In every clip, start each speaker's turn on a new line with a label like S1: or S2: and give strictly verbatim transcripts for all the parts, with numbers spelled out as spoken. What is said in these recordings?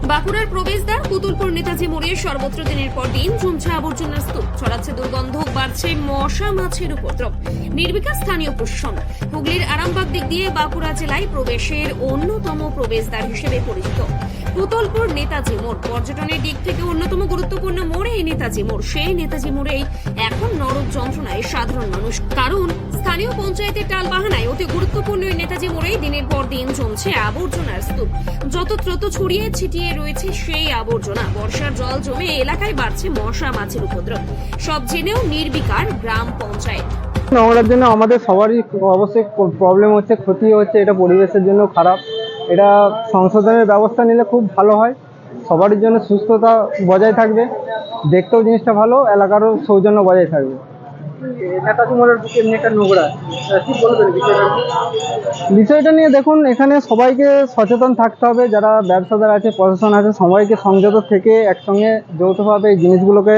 S1: বাঁকুড়ার প্রবেশদ্বার পুতুলপুর নেতাজি মোড়ে সর্বত্র দিনের পর দিন জমছে আবর্জনার স্তূপ, ছড়াচ্ছে দুর্গন্ধ, বাড়ছে মশা মাছির উপদ্রব। নির্বিকার স্থানীয় প্রশাসন হুগলির আরামবাগ দিক দিয়ে বাঁকুড়া জেলায় প্রবেশের অন্যতম প্রবেশদ্বার হিসেবে পরিচিত পুতুলপুর নেতাজি মোড় পর্যটনের দিক থেকে অন্যতম গুরুত্বপূর্ণ মোড় এই নেতাজি মোড়। সেই নেতাজি মোড়েই এখন নরক যন্ত্রণায় সাধারণ মানুষ, কারণ স্থানীয় পঞ্চায়েতের টালবাহানায় অতি গুরুত্বপূর্ণ এই নেতাজি মোড়েই দিনের পর দিন জমছে আবর্জনার স্তূপ। যতত্রত ছড়িয়ে ছিটিয়ে রয়েছে সেই আবর্জনা। বর্ষার জল জমে এলাকায় বাড়ছে মশা মাছির উপদ্রব। সব জেনেও নির্বিকার গ্রাম পঞ্চায়েত।
S2: নোংরার জন্য আমাদের সবারই অবশ্যই প্রবলেম হচ্ছে, ক্ষতি হচ্ছে, এটা পরিবেশের জন্য খারাপ। এটা সংশোধনের ব্যবস্থা নিলে খুব ভালো হয়, সবারই জন্য সুস্থতা বজায় থাকবে, দেখতেও জিনিসটা ভালো, এলাকারও সৌজন্য বজায় থাকবে।
S3: নেতাজি মোড়ের বুকে এমনি একটা নোংরা, কি বলবেন বিষয়টা?
S2: বিষয়টা নিয়ে দেখুন, এখানে সবাইকে সচেতন থাকতে হবে, যারা ব্যবসাদার আছে, প্রশাসন আছে, সবাইকে সংযত থেকে একসঙ্গে যৌথভাবে এই জিনিসগুলোকে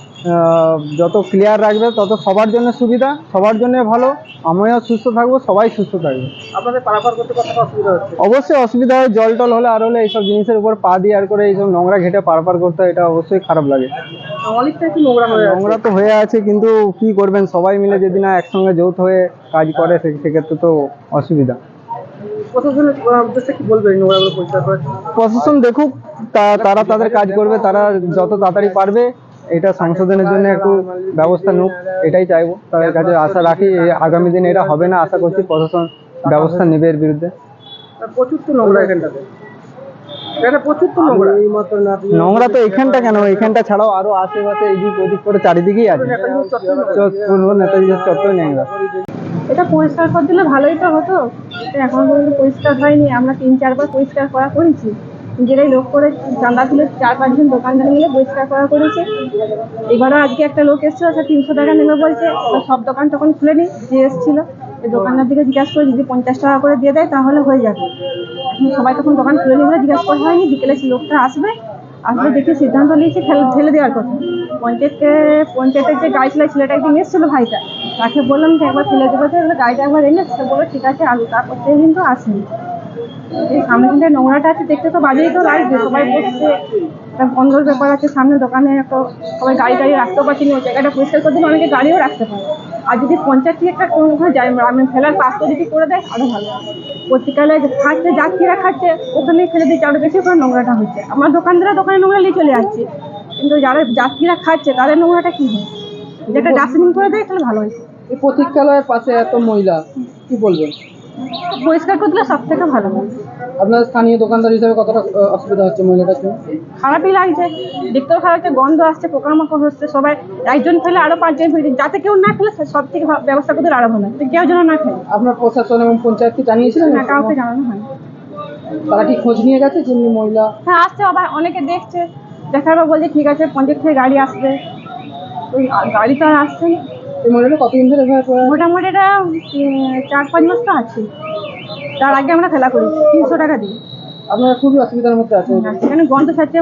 S2: যত ক্লিয়ার রাখবে তত সবার জন্য সুবিধা, সবার জন্য ভালো। আমিও সুস্থ থাকবো, সবাই সুস্থ থাকবে।
S3: আপনাদের পারাপার করতে কতটা অসুবিধা হচ্ছে?
S2: অবশ্যই অসুবিধা হয়, জল টল হলে আর হলে এইসব জিনিসের উপর পা দিয়ে আর করে এইসব নোংরা ঘেটে পারাপার করতে হয়, এটা অবশ্যই খারাপ লাগে।
S3: অনেকটা কি নোংরা হয়ে
S2: নোংরা তো হয়ে আছে, কিন্তু কি করবেন, সবাই মিলে যদি না একসঙ্গে যৌথ হয়ে কাজ করে সেক্ষেত্রে তো অসুবিধা।
S3: প্রশাসনের উদ্দেশ্যে কি বলবেন নোংরাগুলো পরিষ্কার করার?
S2: প্রশাসন দেখুক, তারা তাদের কাজ করবে, তারা যত তাড়াতাড়ি পারবে এটা সংশোধনের জন্য একটু ব্যবস্থা নিক, এটাই চাইবো। তাদের কাছে আশা রাখি আগামী দিনে এটা হবে না, আশা করছি প্রশাসন ব্যবস্থা নেবে এর বিরুদ্ধে।
S3: প্রচুর তো নোংরা এখানটাতে, এটা প্রচুর তো নোংরা।
S2: নোংরা তো এখানটা কেন, এখানটা ছাড়াও আরো আশেপাশে এদিক ওদিক করে চারিদিকেই আছে। নেতাজি চত্বর নোংরা।
S4: এটা পরিষ্কার করে দিলে ভালোই তো হতো, এখন পর্যন্ত পরিষ্কার হয়নি। আমরা তিন চারবার পরিষ্কার করা করেছি, নিজেরাই লোক করে চাঁদা তুলে চার পাঁচজন দোকানদার মিলে পরিষ্কার করা করেছে। এবারও আজকে একটা লোক এসেছিল, সে তিনশো টাকা নেবে বলছে। সব দোকান তখন খুলেনি, যে এসেছিল এই দোকানদার দিকে জিজ্ঞাসা করে যদি পঞ্চাশ টাকা করে দিয়ে দেয় তাহলে হয়ে যাবে। সবাই তখন দোকান খুলেনি বলে জিজ্ঞাসা করা হয়নি। বিকেলে লোকটা আসবে, আসলে দেখে সিদ্ধান্ত নিয়েছে ঠেলে দেওয়ার কথা। পঞ্চায়েতকে পঞ্চায়েতের যে গাড়ি ছেলে ছেলেটা একদিন এসেছিলো ভাইটা, তাকে বললাম যে একবার ফেলে দেবো, তো গাড়িটা একবার এনে সে বললো ঠিক আছে আলু, তারপর থেকে কিন্তু আসেনি। এই সামনে কিন্তু নোংরাটা আছে, দেখতে তো বাজেই তো লাগবে, সবাই বসছে, একটা বন্ধর ব্যাপার আছে সামনে দোকানে, একটা সবাই গাড়ি গাড়ি রাখতেও পারছি না। ওই জায়গাটা পরিষ্কার করে দিলে অনেকে গাড়িও রাখতে পারে। আর যদি পঞ্চায়েত থেকে একটা কোনোভাবে যায় আমি ফেলার পাশটা যদি করে দেয় আরও ভালো। পত্রিকালে খাচ্ছে, যাত্রীরা খাচ্ছে, ওখানেই ফেলে দিচ্ছে, আরও বেশি করে নোংরাটা হচ্ছে। আমার দোকানদাররা দোকানে নোংরা নিয়ে চলে যাচ্ছে, কিন্তু যারা যাত্রীরা খাচ্ছে তাদের নোংরাটা কী হয়, যেটা ডাস্টবিন করে দেয় তাহলে ভালো হয়েছে।
S3: এই প্রতীক্ষালয়ের পাশে এত মহিলা, কি বলবেন?
S4: পরিষ্কার করে দিলে সব থেকে ভালো হয়।
S3: আপনার স্থানীয় দোকানদার হিসেবে কতটা অসুবিধা হচ্ছে মহিলাটার জন্য?
S4: খারাপই লাগছে, দেখতেও খারাপ হচ্ছে, গন্ধ আসছে, পোকামাকড় হচ্ছে। সবাই একজন ফেলে আরো পাঁচজন ফেলে, যাতে কেউ না ফেলে সব থেকে ব্যবস্থা করতে আরো ভালো, কেউ যেন না ফেলে।
S3: আপনার প্রশাসন এবং পঞ্চায়েতকে জানিয়েছিলেন?
S4: না, কাউকে জানানো হয়।
S3: তারা কি খোঁজ নিয়ে গেছে যে মহিলা?
S4: হ্যাঁ, আসছে, আবার অনেকে দেখছে, দেখার পর বলছে ঠিক আছে পঞ্চায়েত থেকে গাড়ি আসবে। ওই গাড়ি তো আর আসছে না।
S3: এই মহিলাটা কতদিন ধরে?
S4: মোটামুটি এটা চার পাঁচ মাস তো আছে। তার আগে আমরা ফেলা করি তিনশো টাকা দিই।
S3: আপনারা খুবই অসুবিধার মধ্যে আছেন।
S4: সেখানে গন্ধ ছাড়ছে,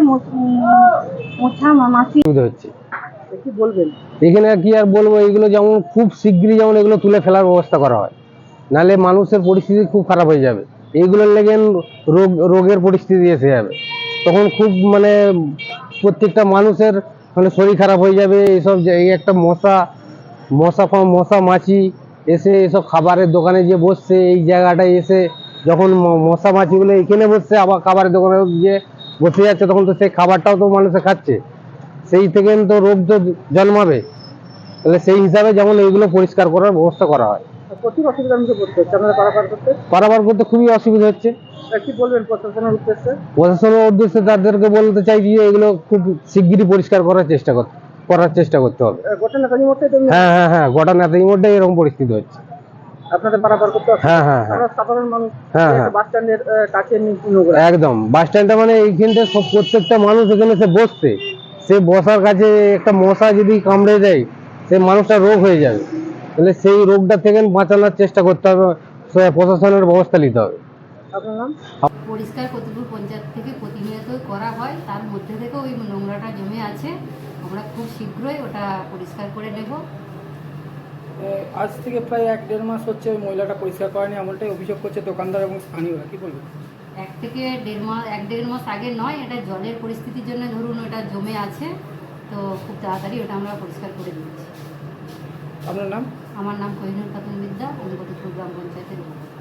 S4: মোছা মাছি
S2: হচ্ছে।
S3: কি বলবেন?
S2: এখানে কি আর বলবো, এগুলো যেমন খুব শিগগিরই যেমন এগুলো তুলে ফেলার ব্যবস্থা করা হয়, নাহলে মানুষের পরিস্থিতি খুব খারাপ হয়ে যাবে। এইগুলোর লেগে রোগ রোগের পরিস্থিতি এসে যাবে, তখন খুব মানে প্রত্যেকটা মানুষের মানে শরীর খারাপ হয়ে যাবে। এইসব এই একটা মশা মশা মশা মাছি এসে এসব খাবারের দোকানে যে বসছে, এই জায়গাটায় এসে যখন মশা মাছিগুলো এখানে বসছে, আবার খাবারের দোকানে যে বসে যাচ্ছে, তখন তো সেই খাবারটাও তো মানুষে খাচ্ছে, সেই থেকে তো রোগ তো জন্মাবে। তাহলে সেই হিসাবে যেমন এইগুলো পরিষ্কার করার ব্যবস্থা করা হয়।
S3: প্রচুর অসুবিধার মুখে পড়তে হচ্ছে আপনারা পারাপার করতে?
S2: পারাপার করতে খুবই অসুবিধা হচ্ছে।
S3: কি বলবেন প্রশাসনের উদ্দেশ্যে?
S2: প্রশাসনের উদ্দেশ্যে তাদেরকে বলতে চাই যে এগুলো খুব শিগগিরই পরিষ্কার করার চেষ্টা করতে করার চেষ্টা করতে হবে।
S3: গোটা নেতাজি মোড়টাই?
S2: হ্যাঁ হ্যাঁ হ্যাঁ গোটা নেতাজি মোড়টাই এরকম পরিস্থিতি হচ্ছে।
S3: আপনাদের পারাপার করতে?
S2: হ্যাঁ হ্যাঁ হ্যাঁ
S3: সাধারণ মানুষ।
S2: হ্যাঁ হ্যাঁ
S3: বাস স্ট্যান্ডের কাছে
S2: একদম বাস স্ট্যান্ডটা মানে এইখানটা সব প্রত্যেকটা মানুষ এখানে সে বসছে, সে বসার কাছে একটা মশা যদি কামড়ে দেয়, সে মানুষটা রোগ হয়ে যাবে। তাহলে সেই রোগটা থেকে বাঁচানোর চেষ্টা করতে হবে, প্রশাসনের ব্যবস্থা নিতে হবে।
S3: আপনার নাম?
S5: পরিষ্কার কতটুকু পঞ্চায়েত থেকে প্রতিনিয়ত করা হয়, তার মধ্যে থেকে ওই নোংরাটা জমে আছে। আমরা খুব শীঘ্রই ওটা পরিষ্কার করে নেব।
S3: আজ থেকে প্রায় এক দেড় মাস হচ্ছে ওই মহিলাটা পরিষ্কার করেনি, এমনটাই অভিযোগ করছে দোকানদার এবং স্থানীয়রা, কি বলবেন?
S5: এক থেকে দেড় মাস এক দেড় মাস আগে নয়, এটা জলের পরিস্থিতির জন্য ধরুন ওটা জমে আছে, তো খুব তাড়াতাড়ি ওটা আমরা পরিষ্কার করে দিচ্ছি।
S3: আপনার নাম?
S5: আমার নাম কোহিনুর খাতুন বিদ্যা, আমি কতুলপুর গ্রাম পঞ্চায়েতের উপর।